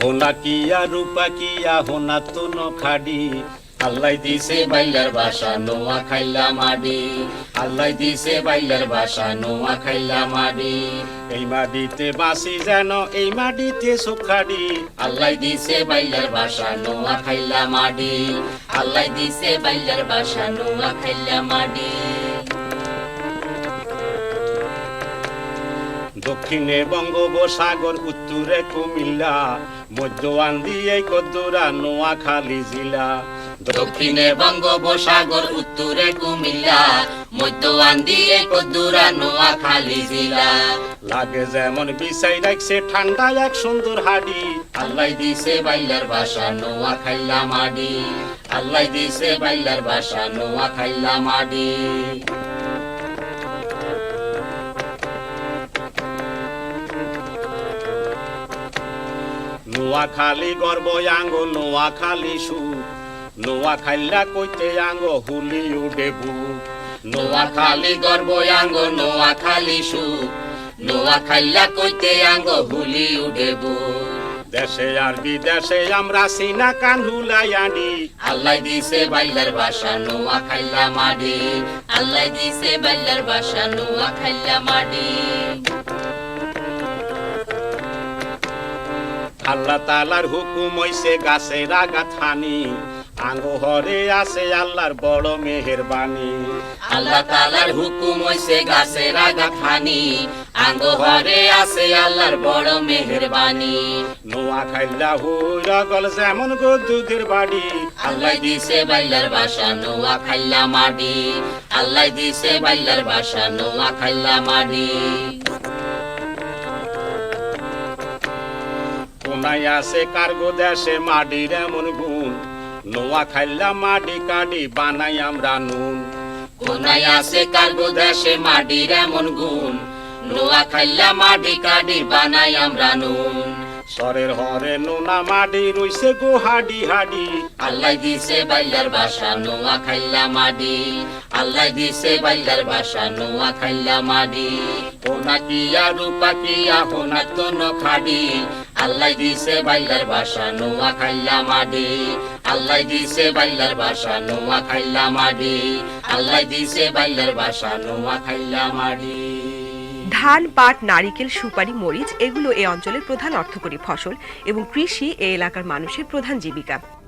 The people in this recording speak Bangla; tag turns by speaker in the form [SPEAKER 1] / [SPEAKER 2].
[SPEAKER 1] হোনা কিয়া রূপা কিয়া হোনা তো নখাডি আল্লাহ দিছে বাইলার বাসা নোয়া খাইলা মাডি আল্লাহ দিছে বাইলার বাসা নোয়া খাইলা মাডি এই মাটিতে বাসি যেন এই মাটিতে সুখাডি আল্লাহ দিছে বাইলার বাসা নোয়া খাইলা মাডি
[SPEAKER 2] আল্লাহ দিছে বাইলার বাসা নোয়া খাইলা মাডি
[SPEAKER 1] দক্ষিণে বঙ্গোপসাগর উত্তরে কুমিল্লা মধ্যান দিয়ে কদ্দুরা নোয়াখালী জেলা
[SPEAKER 2] দক্ষিণে বঙ্গোপসাগর উত্তরে কুমিল্লা মধ্যান দিয়ে কদ্দুরা নোয়াখালী জেলা
[SPEAKER 1] লাগে যেমন বিছাই রাখছে ঠান্ডা এক সুন্দর হাড়ি
[SPEAKER 2] আল্লাহ দিছে বাইলার বাসা নোয়া খাইলা মাডি আল্লাহ দিছে বাইলার বাসা নোয়া খাইলা মাডি
[SPEAKER 1] নোয়াখালী গর্ব আঙ্গ নোয়াখালী সু নোয়া খাইলা কইতে আঙ্গ হুলি উডেবু
[SPEAKER 2] নোয়াখালী গর্ব আঙ্গ নোয়াখালী সু নোয়া খাইলা কইতে আঙ্গ হুলি উডেবু
[SPEAKER 1] দেশে আর বিদেশে আমরা সিনা কানহুলাই আনি
[SPEAKER 2] আল্লাহ দিছে বাইলার বাসা নোয়া খাইলা মাডি আল্লাহ দিছে বাইলার বাসা নোয়া খাইলা মাডি
[SPEAKER 1] আল্লাহ তাআলার হুকুম হইছে গাছের আগাত হানি আঙ্গ হরে আছে আল্লাহর বড় মেহেরবানি
[SPEAKER 2] আল্লাহ তাআলার হুকুম হইছে গাছের আগাত হানি আঙ্গ হরে আছে আল্লাহর বড় মেহেরবানি
[SPEAKER 1] নোয়া খাইলা হইরা গল যেমন গো দুধের বাড়ি
[SPEAKER 2] আল্লাহ দিছে বাইলার বাসা নোয়া খাইলা মাডি আল্লাহ দিছে বাইলার বাসা নোয়া খাইলা মাডি
[SPEAKER 1] কোনায় আছে কার্গো দেশে মাটির এমন গুণ নোয়া খাইলা মাটি কাটি বানাই আমরা নুন
[SPEAKER 2] কোনায় আছে কার্গো দেশে মাটির এমন গুণ নোয়া খাইলা মাটি কাটি বানাই আমরা নুন
[SPEAKER 1] সরের হরে নোনা মাটি রইছে গো হাডি হাডি
[SPEAKER 2] আল্লাহ দিছে বাইলার বাসা নোয়া খাইলা মাডি আল্লাহ দিছে বাইলার বাসা নোয়া খাইলা মাডি
[SPEAKER 1] হোনা কিয়া রূপা কিয়া হোনা তো নখাডি
[SPEAKER 2] আল্লাহ দিছে বাইলার বাসা নোয়া খাইলা মাডি আল্লাহ দিছে বাইলার বাসা নোয়া খাইলা মাডি আল্লাহ দিছে বাইলার বাসা নোয়া খাইলা মাডি
[SPEAKER 3] ধান, পাট, নারিকেল, সুপারি, মরিচ এগুলো এই অঞ্চলের প্রধান অর্থকরী ফসল এবং কৃষি এই এলাকার মানুষের প্রধান জীবিকা।